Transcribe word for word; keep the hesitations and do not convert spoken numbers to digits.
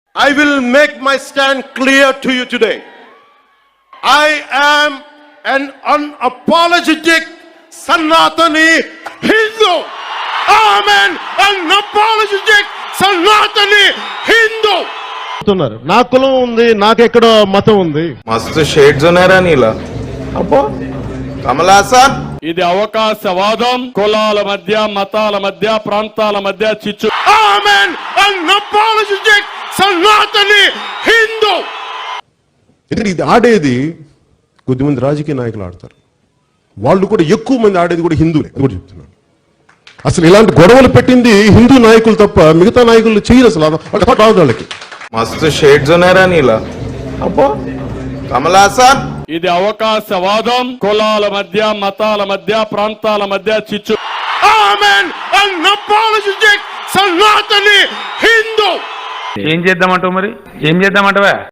I will make my stand clear to you today. I am an unapologetic Sanatani Hindu. I am an unapologetic Sanatani Hindu. నా కులం ఉంది, నాకెక్కడో మతం ఉంది. మస్తు shades ఉన్నారా నీలా? అబ్బో కమలా సార్, ఇది అవకాశవాదం. కులాల మధ్య, మతాల మధ్య, ప్రాంతాల మధ్య చిచ్చు. I am an unapologetic Sanatani Hindu. ఇది ఆడేది కొద్దిమంది రాజకీయ నాయకులు ఆడతారు, వాళ్ళు కూడా ఎక్కువ మంది ఆడేది కూడా హిందువులే కూడా చెప్తున్నాను. అసలు ఇలాంటి గొడవలు పెట్టింది హిందూ నాయకులు తప్ప మిగతా నాయకులు చేయరు. అసలు రాదు వాళ్ళకి. మస్తు షేడ్స్ ఉన్నారా నీలా? అబ్బో కమలా సార్, ఇది అవకాశవాదం. కులాల మధ్య, మతాల మధ్య, ప్రాంతాల మధ్య చిచ్చు. I am an unapologetic Sanatani Hindu. ఏం చేద్దామంటావు మరి? ఏం చేద్దామంటావా?